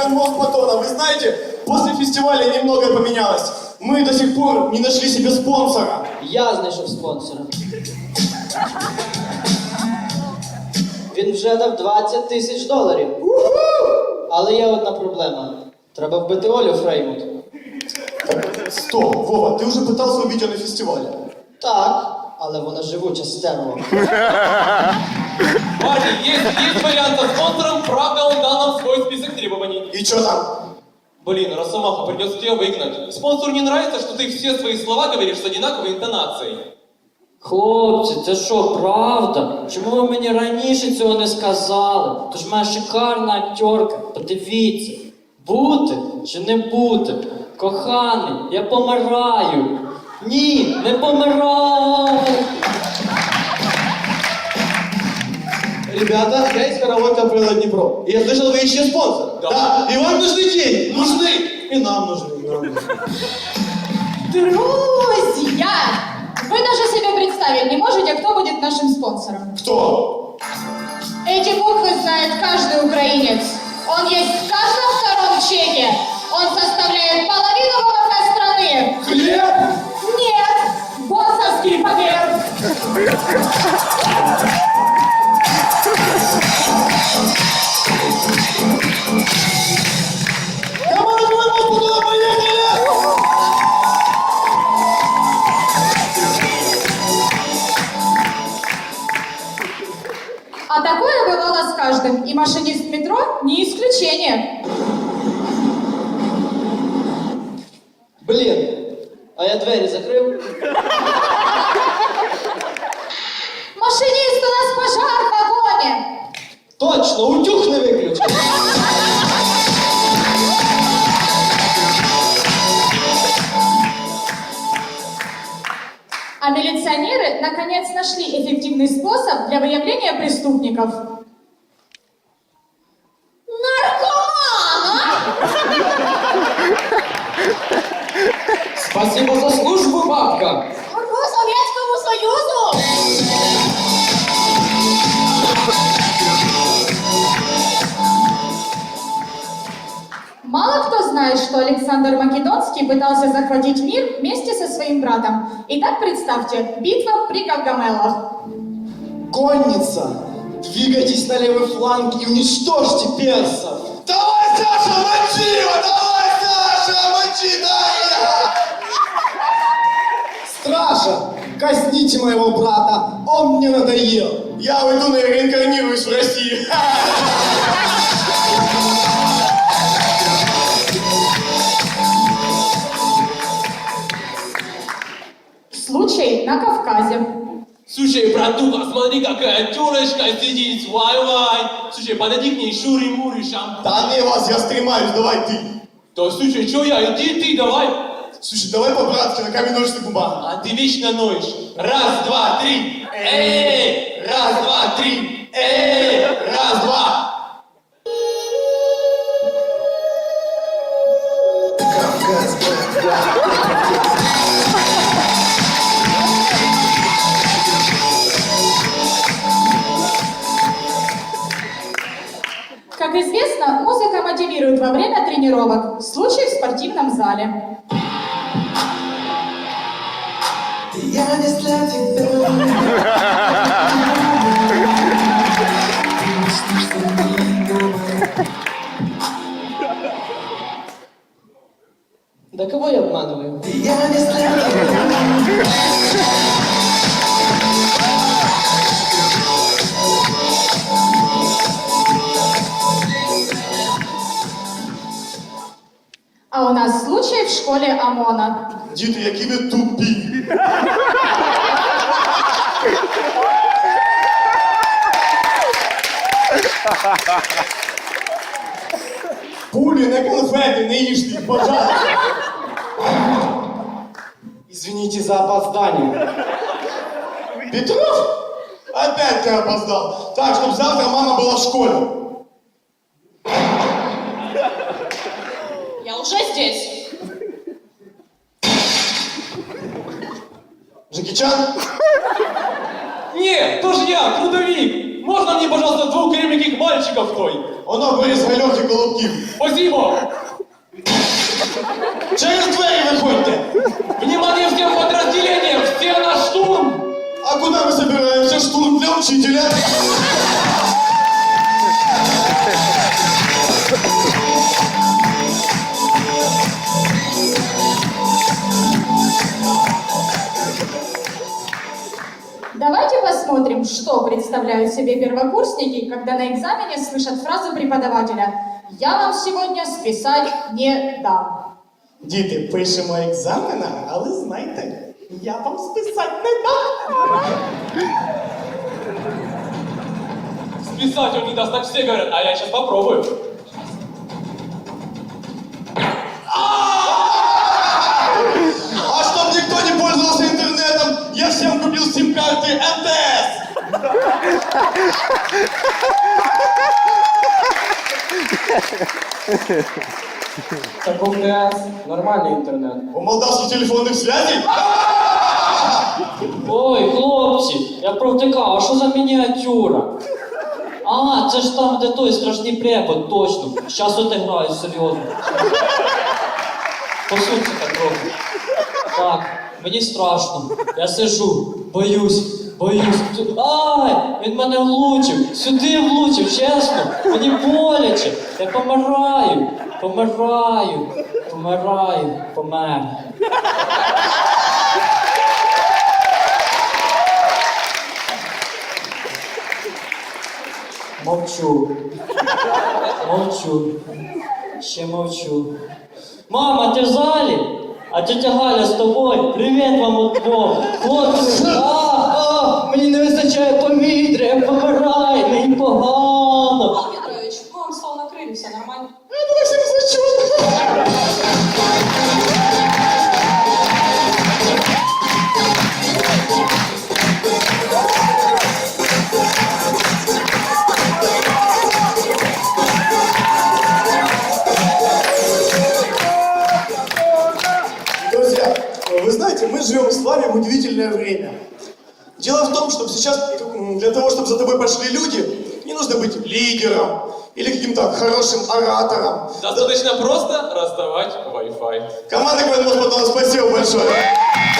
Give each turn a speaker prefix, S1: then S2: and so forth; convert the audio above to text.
S1: Стакан батона. Вы знаете, после фестиваля немного поменялось. Мы до сих пор не нашли себе спонсора.
S2: Я знайшов спонсора. Він вже дав $20 000. Але є одна проблема. Треба вбити Олю Фреймут.
S1: Стоп, Вова, ты уже пытался убить ее на фестивале.
S2: Так, але вона живуча стерва.
S3: Ваня, есть вариант со спонсором, правда, он дал нам свой список требований.
S1: И что там?
S3: Блин, Росомаха, придется тебя выгнать. Спонсору не нравится, что ты все свои слова говоришь с одинаковой интонацией.
S2: Хлопці, це що, правда? Чому ви мені раніше цього не сказали? То ж моя шикарна актерка. Подивіться. Бути чи не бути? Коханий, я помираю. Ні, не помираю.
S1: Ребята, я из хоровой капеллы Днепро. И я слышал, вы ищете спонсора.
S3: Да.
S1: И вам нужны деньги. Нужны. И нам нужны. и нам нужны.
S4: Друзья! Вы даже себе представить не можете, кто будет нашим спонсором.
S1: Кто?
S4: Эти буквы знает каждый украинец. Он есть в каждом втором чеке. Он составляет половину ВВП страны.
S1: Хлеб?
S4: Нет! Боссовский пакет! А такое бывало с каждым, и машинист метро не исключение.
S2: Блін, а я двері закрив?
S4: Машинист, у нас пожар в вагоне!
S2: Точно, утюг не виключив.
S4: А милиционеры наконец нашли эффективный способ для выявления преступников. Наркомана!
S2: Спасибо за службу, бабка.
S4: Служу Советскому Союзу! Мало кто знает, что Александр Македонский пытался захватить мир вместе со своим братом. Итак, представьте, битва при Гавгамелах.
S1: Конница, двигайтесь на левый фланг и уничтожьте персов. Давай, Саша, мочи его! Давай, Саша, мочи, дай! Стража, казните моего брата, он мне надоел. Я уйду и реинкарнируюсь в России.
S4: Случай на Кавказе.
S3: Слушай, братуха, смотри, какая тёлочка сидит, вай-вай. Слушай, подойди к ней, шури-мури, шампунь.
S1: Да не вас, я стремаюсь, давай ты.
S3: Да слушай, чё я, иди ты, давай.
S1: Слушай, давай по-братски, на камень, ножницы, бумага.
S3: А ты вечно ноешь. Раз, два, три. Эй! Раз, два, три. Эй! Раз, два.
S4: Как известно, музыка мотивирует во время тренировок. Случай в спортивном зале.
S5: Я не для тебя.
S2: Да кого я обманываю?
S5: Я не для тебя.
S4: А у нас случай в школе ОМОНа.
S1: Діти, які ви тупі. Пулі, не конфети, не їжте, пожалуйста.
S6: Извините за опоздание.
S1: Петров? Опять ты опоздал. Так, чтобы завтра мама была в школе.
S4: Я уже здесь.
S1: Джеки Чан?
S3: Нет, тоже я, трудовик. Можно мне, пожалуйста, двух кременьких мальчиков той?
S1: Оно Борис Гальох і Голубків.
S3: Спасибо!
S1: Через двері виходьте.
S3: Внимание всем подразделениям! Все на штурм!
S1: А куда мы собираемся? Штурм для учителя.
S4: Давайте посмотрим, что представляют себе первокурсники, когда на экзамене слышат фразу преподавателя «Я вам сегодня списать не дам».
S1: Діти, пишемо екзамена, але знайте, я вам списати не дам.
S3: Списать он не даст, так все говорят, а я сейчас попробую.
S1: А чтоб никто не пользовался интернетом, я всем купил сим-карты МТС.
S6: Так у МТС нормальний інтернет.
S1: У молдавских телефонных связей?
S2: Ой, хлопці, я провтикав, а що за мініатюра? А, це ж там, де той страшний препод, точно. Щас отиграю, серйозно. Посунься трохи. Так, мені страшно. Я сижу, боюсь. Ай, він мене влучив, сюди влучив, чесно. Мені боляче. Я помер. Мовчу. Ще мовчу. Мама, ти в залі? А тетя Галя з тобою? Привіт вам удвох. Хлопці, мені не вистачає повітря, я помираю, мені погано.
S7: Павел Петрович, мы вам стол накрыли, все нормально.
S1: Друзья, вы знаете, мы живем с вами в удивительное время. Дело в том, что сейчас для того, чтобы за тобой пошли люди, не нужно быть лидером или каким-то хорошим оратором.
S3: Достаточно просто раздавать Wi-Fi.
S1: Команда Квадмос, спасибо большое.